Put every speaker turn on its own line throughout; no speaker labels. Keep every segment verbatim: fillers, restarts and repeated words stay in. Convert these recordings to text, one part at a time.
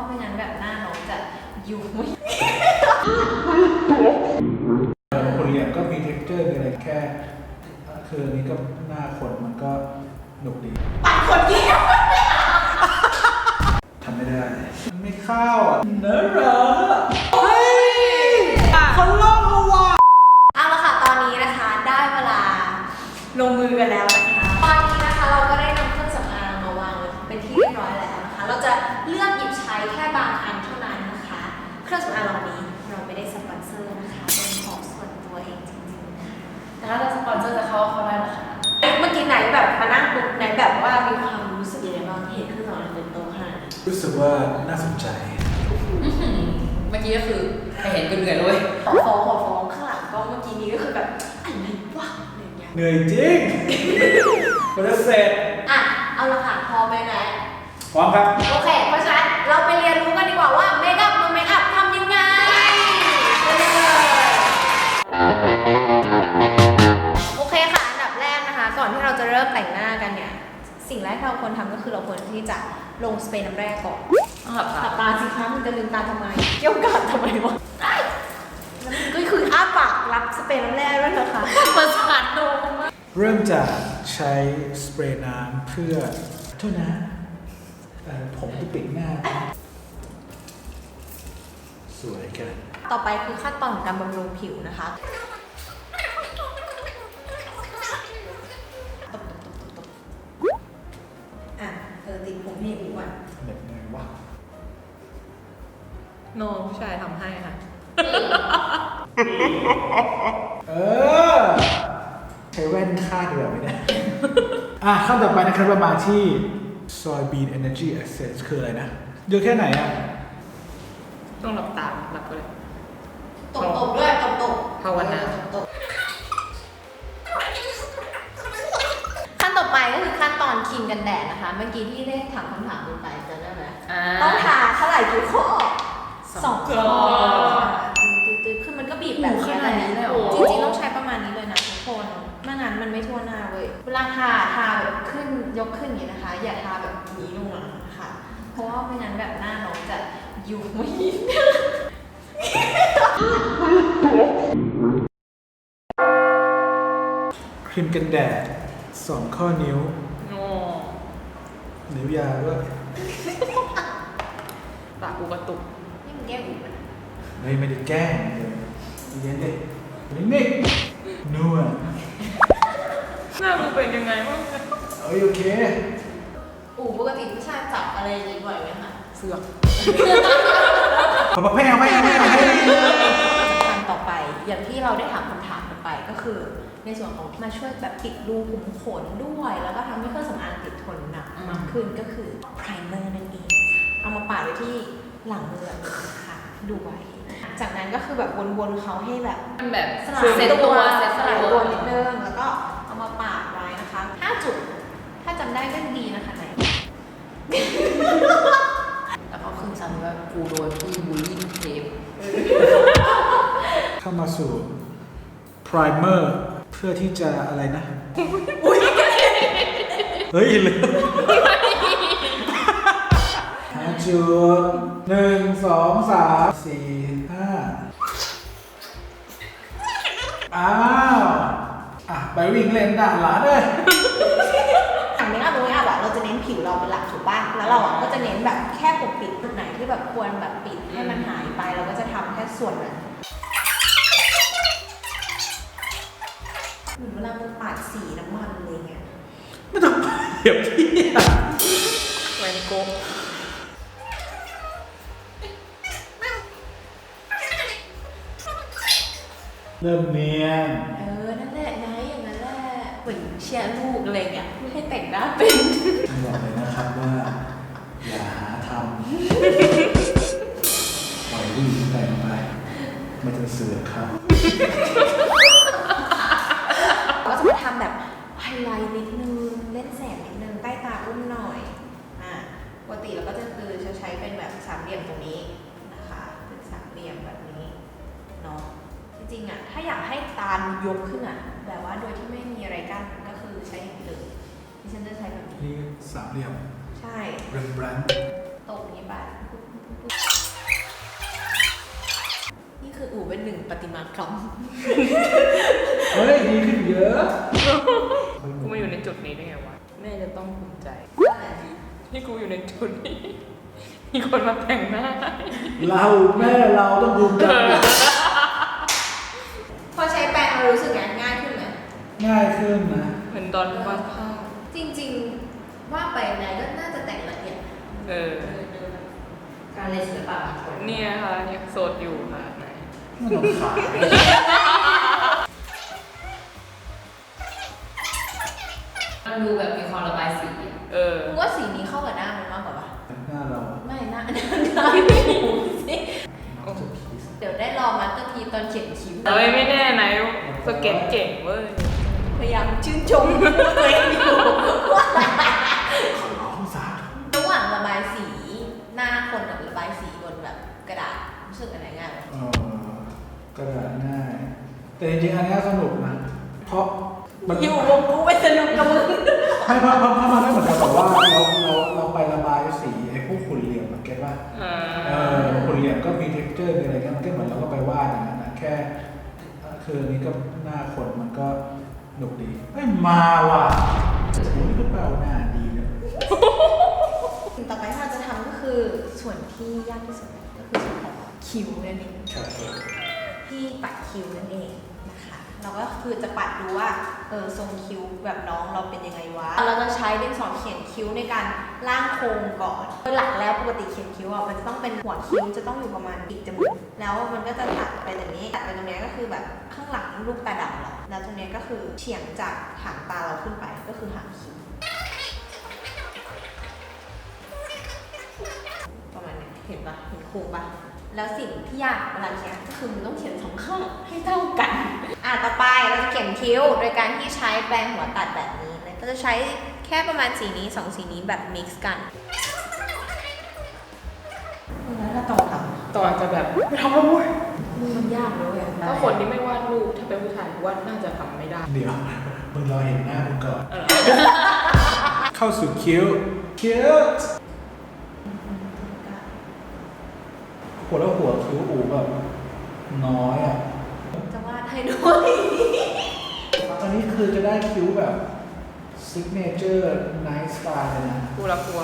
ว่าไม่งั้นแบบหน้าน้องจะอยู่ไม่
คนเรียนก็มี texture มีอะไรแค่คืออันนี้ก็หน้าคนมันก็หนุกดี
ปัดคนเดียว
ทำไม่ได้มันไม่เข้าอ่ะเนื้อเหรอเฮ้ยเขาลอกเอาว่ะ
เอาละค่ะตอนนี้นะคะได้เวลาลงมือกันแล้วนะคะตอนนี้นะคะเราก็ได้นำเครื่องสำอางมาวางเป็นที่เรียบร้อยแล้วนะคะเราจะเลือกหยิบใช้แค่บางอันเท่านั้นนะคะเครื่องสำอางเรานี้เราไม่ได้สปอนเซอร์นะคะเป็นของส่วนตัวเองจริงๆค่ะแต่ถ้าเราสปอนเซอร์จะเข้าเข้าได้นะคะเมื่อกี้ไหนแบบมานั่งปุ๊บไหนแบบว่ามีความรู้สึกยังไงบ้างเห็นเครื่องสำอางเต็มโต๊ะขนาดนี้
รู้สึกว่าน่าสนใจ
เมื่อกี้ก็คือใครเห็นก็เหนื่อยเลย
ขอฟ้องขอฟ้องข้างหลังก็เมื่อกี้นี้ก็คือแบบอะไรวะอะไรอย่างเงี้ย
เหนื่อยจริงมันจะเสร็จ
อ่ะเอาละค่ะพอไหมนะ
พร้อมครับ
โอเคเพราะฉะนั้นเราไปเรียนรู้กันดีกว่าว่าเมคอัพมือเมคอัพทำยังไงไปเลยโอเคค่ะอันดับแรกนะคะก่อนที่เราจะเริ่มแต่งหน้ากันเนี่ยสิ่งแรกที่เราควรทำก็คือเราควรที่จะลงสเปรย์น้ำแร่ก่อน
ต้องหลับตา
หลับตาสิคะมันจะลืมตาทำไมเกี่ยวกันทำไมวะแล้วมันก็คืออ้าปากรับสเปรย์น้ำแร่ด้วยนะคะประสาทโดนมาก
เริ่มจากใช้สเปรย์น้ำเพื่อโทษนะผมที่ปิดหน้าสวยกัน
ต่อไปคือขั้นตอนของการบำรุงผิวนะคะตบตบตบตบตบอ่ะเออติดผมให้อู๋ก่อน
แบบไงวะ
น้องผู้ชายทำให้ค่ะ
เออใช้แว่นคาดดีกว่าไหมเนี่ยอ่ะขั้นต่อไปนะครับเรามาที่ Soybean Energy Essence คืออะไรนะเยอะแค่ไหนอ่ะ
ต้องหลับตาหลับก็เลย
ตบตบด้วยตบตบ
ภาวนา
ขั้นต่อไปก็คือขั้นตอนครีมกันแดดนะคะเมื่อกี้ที่ได้ถามคำถามไปจำได้ไหมต้องทาเท่าไหร่กี่ข้อสองข้อตื้อๆคือมันก็บีบแบบนี้เลยจริงๆต้องใช้ประมาณนี้เลยนะทุกคนไม่งั้นมันไม่ทั่วหน้าเว้ยเวลาทาทาแบบขึ้นยกขึ้นอย่างนี้นะคะอย่าทาแบบนี้ลงหลังนะคะเพราะว่าไม่งั้นแบบหน้าน้องจะอยู่ไม่
ครีมกันแดดสองข้อนิ้วนิ้วยาวด้วย
ปากกูกระตุก
นี่มันแก้อุบนะ
ไม่ไม่ได้แกล้งเย็นดินิ่งๆนัว
หน้ามึงเป็นยังไงบ้าง
เอ้ยโอเค
อู๋ปกติผู้ชายจับอะไรอย่างนี้บ่อยไหมคะ
เสือก
ขอมาแพ้แพ้แพ้แพ้
ขั้นต่อไปอย่างที่เราได้ถามคำถามกันไปก็คือในส่วนของที่มาช่วยแบบปิดรูขุมขนด้วยแล้วก็ทำให้เครื่องสำอางติดทนหนักมากขึ้นก็คือไพรเมอร์นั่นเองเอามาปาดไว้ที่หลังมือแบบนี้นะคะดูไว้จากนั้นก็คือแบบวนๆเขาให้แบบ
แบบ
สลายตัวสลายตัวนิดนึงแล้วก็เอามาปาดไว้นะคะห้าจุดถ้าจำได้ก็ดีนะคะไหน
แล้วก็ขึ้นซ้ำว่ากูโดนพี่บูลลี่เทป
เข้ามาสู่ primer เพื่อที่จะอะไรนะเฮ้ยเลยห้าจุดหนึ่งสองสามสี่ห้าอ้าวอ่ะไปวิ่งเล่นด่านหลานเลย
อย่างนี้อะตรงนี้อะแบบเราจะเน้นผิวเราเป็นหลักถูกป่ะแล้วเราอะก็จะเน้นแบบแค่ปกปิดจุดไหนที่แบบควรแบบปิดให้มันหายไปเราก็จะทำแค่ส่วนนั้นเหมือนเวลามันปาดสีน้ำมันอะไรเงี้ย
ไม่ต้องเดี๋ยวที่
แวนโก
เริ่มเนียน
เออนั่นแหละนายอย่างนั้นแหละเหมือนเชียร์ลูกอะไรเงี้ยไม่ให้แต่งหน้าเป็น
บอกเลยนะครับว่าอย่าหาทำปล่อยผู้หญิงแต่งไปมันจะเสือกครับ
ก็จะมาทำแบบไฮไลท์นิดนึงเล่นแสงนิดนึงใต้ตาอุ้มหน่อยอ่ะปกติเราก็จะคือจะใช้เป็นแบบสามเหลี่ยมตรงนี้นะคะเป็นสามเหลี่ยมแบบนี้เนาะจริงๆอ่ะถ้าอยากให้ตายกขึ้นอ่ะแบบว่าโดยที่ไม่มีอะไรกั้นก็คือใช้อย่างนี้เลยดิฉันจะใช้แบบนี้
นี่สามเหลี่ยม
ใช่
เรมแบรนด์
ตรงนี้ไปหนึ่งประติมากรรม
เฮ้ยดีขึ้นเยอะ
กูมาอยู่ในจุดนี้ได้ไงวะแม่จะต้องภูมิใจที่กูอยู่ในจุดนี้มีคนมาแต่งหน้า
เราแม่เราต้องภูมิใจ
พอใช้แปรงเรารู้สึกไงง่ายขึ้นไหม
ง่ายขึ้นนะ
เหมือนตอนวาดภาพ
จริงๆว่าไปไหนก็น่าจะแต่งละเอียด
เออ
การเรียนศิลปะบางคน
เนี่ยค่ะยังโสดอยู่ค่ะไหน
ไม่ต้องขาย
มันดูแบบมีความระบายสีเออ
มึงว่าสีนี้เข้ากับหน้ามันมากกว่าปะ
หน้าเรา
ไม่หน้าหน้าหน้าไม่หูสิ
น้องจะพีซ
เดี๋ยวได้รอมาสเตอร์พีซตอนเขียนคิ้ว
เอ้ยไม่แน่ไหนสเก็ตเก่งเว้ย
พยายามชื่นชมตัวเองอยู่ว่า
ขอร้องสาธุ
ระหว่างระบายสีหน้าคนกับระบายสีบนแบบกระดาษรู้สึกอันไหนง่ายกว่า
เออกระดาษง่าย แต่จริงๆอันนี้สนุกนะ เพราะมัน
อยู่วงกูไปสนุกกับมึง
ให้เพราะเพราะเพราะมันไม่เหมือนกับแบบว่าเราเราเราไประบายสีไอ้พวกขุ่นเหลี่ยมมันเก็ตว่า
เอ
เอ
อ
อขุ่นเหลี่ยมก็มี texture มีอะไรกันมันก็เหมือนเราก็ไปวาดอย่างนั้นนะแค่คืออันนี้ก็หน้าคนมันก็หนุกดีไม่มาว่ะโอ้นี่ก็แปลว่าหน้าดีนะ
สิ่งต่อไปที่เราจะทำก็คือส่วนที่ยากที่สุดก็คือส่วนของคิ้วนั่นเอง
ครับผม
ที่ปัดคิ้วนั่นเองนะคะเราก็คือจะปัดดูว่าเออทรงคิ้วแบบน้องเราเป็นยังไงวะเราจะใช้ดินสอเขียนคิ้วในการร่างโครงก่อนโดยหลักแล้วปกติเขียนคิ้วอ่ะมันจะต้องเป็นหัวคิ้วจะต้องอยู่ประมาณปีกจมูกแล้วมันก็จะตัดไปตรงนี้ตัดไปตรงนี้ก็คือแบบข้างหลังลูกตาดำเราแล้วตรงนี้ก็คือเฉียงจากหางตาเราขึ้นไปก็คือหางคิ้วประมาณนี้เห็นปะเห็นโครงปะแล้วสิ่งที่ยากเวลาเขียนก็คือมันต้องเขียนสองข้างให้เท่ากัน อ่ะต่อไปเราจะเขียนคิ้วโดยการที่ใช้แปรงหัวตัดแบบนี้นะก็จะใช้แค่ประมาณสีนี้สองสีนี้แบบมิกซ์กันแล้วถ้าต่อท
ต่อจะแบบไม่ทำแล้วเว้ย
ำมันยากเลย
ถ้าคนที่ไม่วาดรูปถ้าเป็นผู้ชายวาดน่าจะทำไม่ได้
เดี๋ยวมึงรอเห็นหน้ามึงก่อน
เออ
เข้าสู่คิ้วคิ้วหัวแล้วหัวคิ้วอูแบบน้อยอ่ะ
จะวาดให้ด้วย
อันนี้คือจะได้คิ้วแบบ signature nice style เลยนะ
กูละกลัว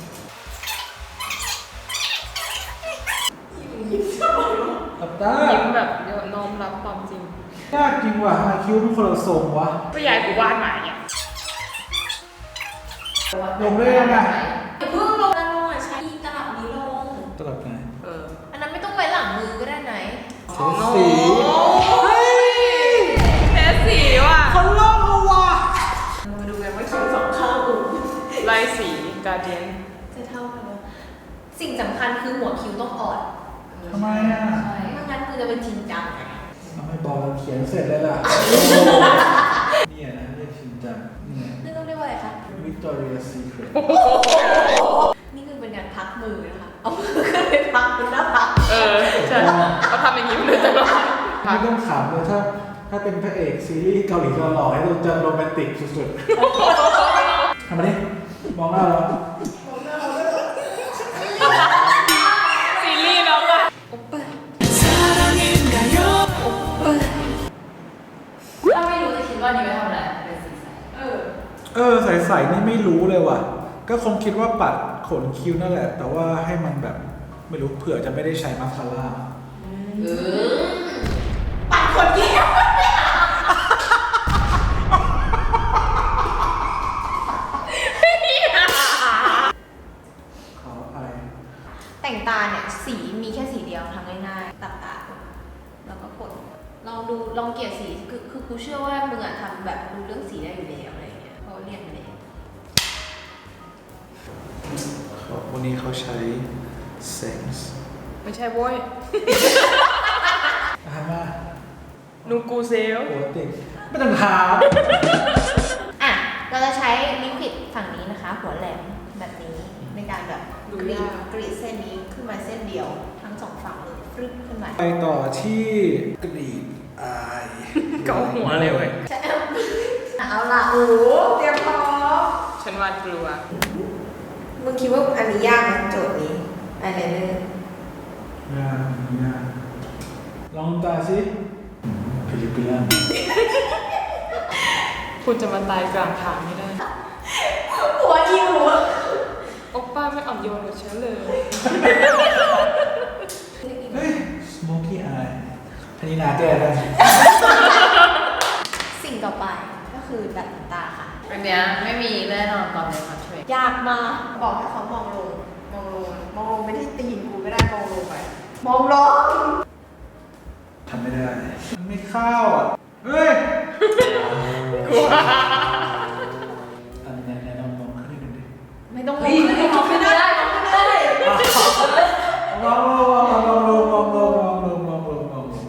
ตับตา
ยิ้มแบบเดี๋ยวน้อมรับความจริง
ยากจริงว่ะทำไมคิ้วมันคนละทรงวะ
ก็ยายกูวาดมาเนี่ย
ลงได้ยังไง
อย่าเพิ่งลงนะลงอ่ะใช้ตลับนี้ลง
ตลับไหน
เออ
อันนั้นไม่ต้องไว้หลังมือก็ได้ไหน
ใช้สี
เฮ้ยแพ้สีว่ะ
คนลอกเอาว่ะ
มาดูกันว่าคิ้วสองข้างอู
ลายสีการเดียน
จะเท่ากันไหมสิ่งสำคัญคือหัวคิ้วต้องอ่อน
ทำไมอ่ะ
ไม่งั้นคือจะเป็นจริงจังไง
ทำไมบอกเราเขียนเสร็จเลยล่ะ เนี่ยนะเรียกชินจังนี่ไง
นี่ต้องเรียกว่าอะไรคะ
Victoria Secret
นี่คือเป็นการพักมือนะคะ เอามือขึ้นไปพักบนหน้าผาก
เออใช่เขาทำอย่างนี้มาโดยตลอด
ไม่ต้องถามเลยถ้าถ้าเป็นพระเอกซีรีส์เกาหลีหล่อๆให้เราจะโรแมนติกสุดๆทำมาดิมองหน้าเรา
ซีรีส์แล้วอะ
โอปเปอร์
ถ้าไม่รู้จะคิดว่านี่ไปทำอะไรเป็นสีใสเออ
เออใสๆนี่ไม่รู้เลยว่ะ ก็คงคิดว่าปัดขนคิ้วนั่นแหละ แต่ว่าให้มันแบบไม่รู้เผื่อจะไม่ได้ใช้มาสคาร่า
เออ
ปัดคนเดียว
ขออภัย
แต่งตาเนี่ยสีมีแค่สีเดียวทำง่ายๆตัดตาแล้วก็กดลองดูลองเกลี่ยสีคือคือกูเชื่อว่ามึงอะทำแบบรู้เรื่องสีได้อยู่แล้วอะไรอย่างเงี้ยเพราะเรียนมาแล้ว
วันนี้เขาใช้ Sense
ไม่ใช่โว้ย
อามา
นูกูเซล
หัวติดไม่ต้องถาม
อ่ะเราจะใช้ลิควิดฝั่งนี้นะคะ หัวแหลมแบบนี้ในการแบบกรีดกรีดเส้นนี้ขึ้นมาเส้นเดียวทั้งสองฝั่งเลยฟรึบขึ้นมา
ไปต่อที่กรีดอาย
เกาหัวเลยเว้ย
ใช่เอาล่ะโอ้เตรียมพร้อม
ฉันวาดกลัว
มึงคิดว่าอันนี้ยากไหมโจทย์นี้อะไรเนอร์
งานงานลองตาสิฟิลิปปินส์
คุณจะมาตายกลางทางไม่ได้
หัวอิว
โอป้าไม่อ่อนโยนกับฉันเลย
เฮ้ย smoky eye พนินาแก้ได้
สิ่งต่อไปก็คือดัดขนตาค่ะ
อันเนี้ยไม่มีแน่นอนตอนในคอนเทนต์
ยากมากบอกให้เขามองลง มองลง มองลงไม่ที่ตีนกูไม่ได้มองลงไป มองลง
ทำไม่ได้ มันไม่เข้าอ่ะ เฮ้ยอันนี้แนะนำลองขึ้นนิดนึงดิ
ไม่ต้องลงขึ้นมองไม่ได้มองไม่ได้
ลองลงลองลงลองลงลองลงลองลงลองลง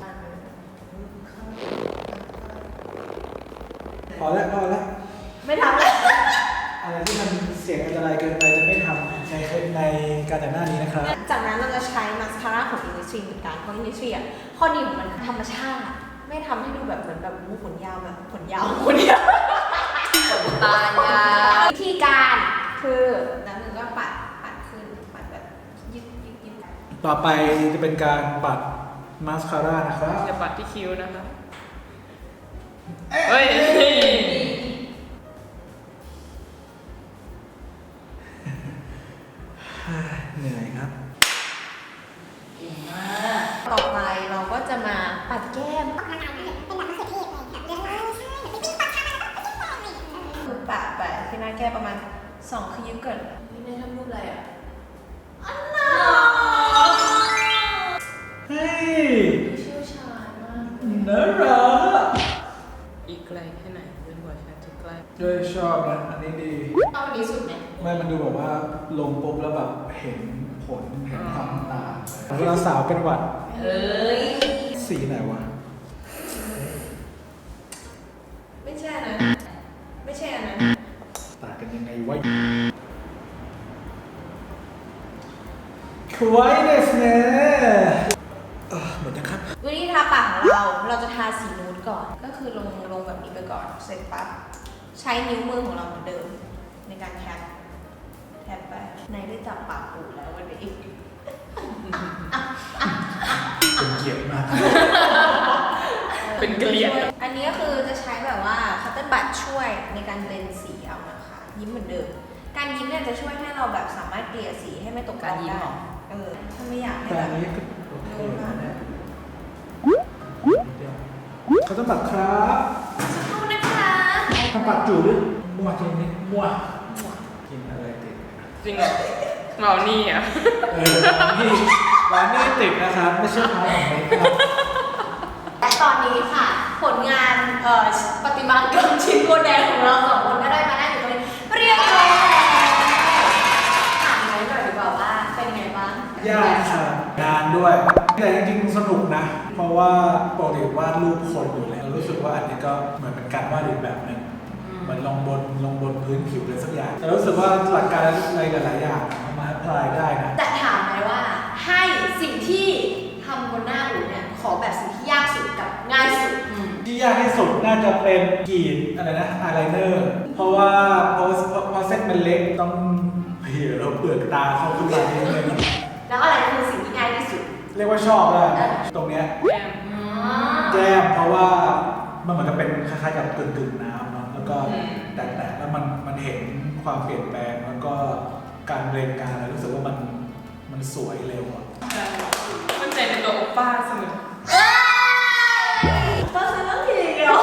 พอแล้วพอแล้ว
ไม่ทำเลย
อะไรที่มันเสียงอันตรายเกินไปจะไม่ทำในในการแต่งหน้านี้นะครับ
จากนั้นเราจะใช้มาสคาร่าของ Innisfree เหมือนกันเพราะ Innisfree อ่ะข้อดีของมันคือธรรมชาติ ไม่ทำให้ดูแบบเหมือนแบบมูขนยาวแบบขนยาวขนยาว
ตายา
วิธีการคือน้ำหนึ่งก็ปัดปัดขึ้นปัดแบบยึดยึดยึด
ต่อไปจะเป็นการปัดมาสคาร่านะครับ
อย่าปัดที่คิ้วนะคะ เฮ้ย
เหนื่อยครับ
ต่อไปเราก็จะมาปัดแก้มคือปะไปที่หน้าแก้มประมาณสองคือยึดก่อนนี่ได้ทำรูปอะไรอ่ะอันน่า
เฮ้ย
เชี่ยวชาญมาก
น่ารัก
อีกไกลแค่ไหนจนกว่าฉันจะใกล้
ด้วยชอบนะอันนี้ดี
เอาอันนี้สุดไหม
ไม่มันดูแบบว่าลงปุ๊บแล้วแบบเห็นผลเห็นความต่างเวลาสาวเป็นหวัด
เฮ้ย
สีไหนวะ
ไม่ใช่นะไม่ใช่อันนั้น
ต่างกันยังไงวะควยเดสเน่เออหมดนะครับ
วิธีทาปากของเราเราจะทาสีนูดก่อน ก็คือลงลงแบบนี้ไปก่อนเสร็จปั๊บใช้นิ้วมือของเราเหมือนเดิม ในการแทบแทบไปในได้จับปากปูแล้ววันนี้
เป็นเกียรติมาก
เป็นเกลียด
อันนี้ก็คือจะใช้แบบว่าคัตเติ้ลบัตช่วยในการเบลนสีเอานะคะ ยิ้มเหมือนเดิม การยิ้มเนี่ยจะช่วยให้เราแบบสามารถเกลี่ยสีให้ไม่ตก
การยิ้มเหรอ
เออถ้าไม่อยากให้
แต่
แบ
อั
บ
นนี้ก็โอเคนะเนี่ยเขาต้องบัดครับ
สักครู่นะคะ
ทำปากจูดด้วยมั่วจริงนี่มั่วกินอะไรติด
จริงเหรอเมานี่อ่ะ
เออร้านนี่ร้านนี่ติดนะครับไม่ใช่ร้านของเมคอัพ
และตอนนี้ค่ะ ผลงานเอ่อประติมากรรมชิ้นโบแดงของเราสองคนก็ได้มาได้อยู่ตรงนี้เรียบร้อยแล้วถามไหมหน่อยดีกว่าว่าเป็นไงบ้าง
ยากครับงานด้วย แต่จริงๆสนุกนะ เพราะว่าปกติวาดรูปคนอยู่แล้วรู้สึกว่าอันนี้ก็เหมือนเป็นการวาดอีกแบบหนึ่งเหมือนลงบนลงบนพื้นผิวเลยสักอย่างแต่รู้สึกว่าหลักการอะไรหลายๆอย่างมันมาพลายได้นะ
แต่ถามไหมว่าให้สิ่งที่ทำบนหน้าอูเนี่ยขอแบบสิ่งที่ยากสุดกับง่ายสุด
ที่ยากที่สุดน่าจะเป็นกรีดอะไรนะอายไลเนอร์เพราะว่าเพราะเพราะเส้นมันเล็กต้องเหี่ยวเราเปลือกตาเข้าขึ้นมานิดนึง
แล้วอะไรคือสิ่งที่ง่ายที่สุด
เรียกว่าชอบแล้วตรงเนี้ย
แก้ม
แก้มเพราะว่ามันเหมือนกับเป็นคล้ายๆกับกึ่งๆน้ำเนาะแล้วก็แตะๆแล้วมันมันเห็นความเปลี่ยนแปลงแล้วก็การเบรนการอะไรรู้สึกว่ามันมันสวยเร็วอะ
มั่นใจในตัวโอป้าเสมอ
ก็ซื้อเรื่องทีเดียว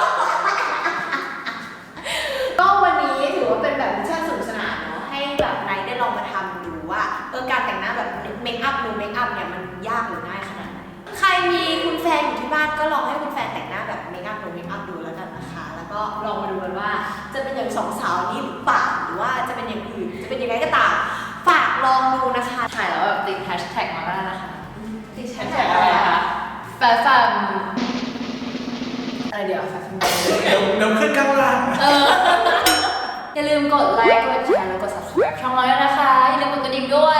ก็วันนี้ถือว่าเป็นแบบมิชชั่นสนุกสนานเนาะให้แบบไนท์ได้ลองมาทำดูว่าเออการแต่งหน้าแบบเมคอัพหรือเมคอัพเนี่ยมันยากหรือง่ายขนาดไหนใครมีคุณแฟนอยู่ที่บ้านก็ลองให้คุณแฟนแต่งหน้าแบบเมคอัพหรือเมคอัพดูแล้วกันนะคะ แล้วก็ลองมาดูกันว่าจะเป็นอย่างสองสาวนี้หรือเปล่าหรือว่าจะเป็นอย่างอื่นจะเป็นยังไงก็ตามฝากลองดูนะคะ
ถ่ายแล้วแบบติดแฮชแท็กมาได้นะคะ
ดิฉั
แฮ
น
ช
แท็
แท็
ก
ก
อะ
อะไร ไร
อะ
นะคะ คะแฟชั่นอะไรเดี๋ยวแฟชั่น
เดี๋ยวเดี๋ยวขึ้นข้างล่าง
เอออย่าลืมกดไลค์กดแชร์แล้วกด subscribe ช่องเราด้วยนะคะ อย่าลืมกดกระดิ่งด้วย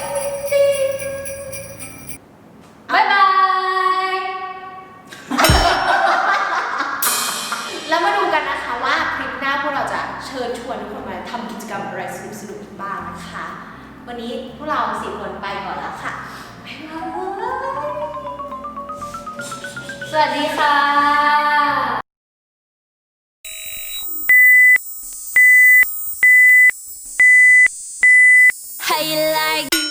บ๊ายบาย
แล้วมาดูกันนะคะว่าคลิปหน้าพวกเราจะเชิญชวนทุกคนมาทำกิจกรรมอะไรสนุกๆอีกบ้างนะคะ วันนี้พวกเราสี่คนไปก่อนแล้วค่ะบ๊ายบาย
สวัสดีค่ะ
How you like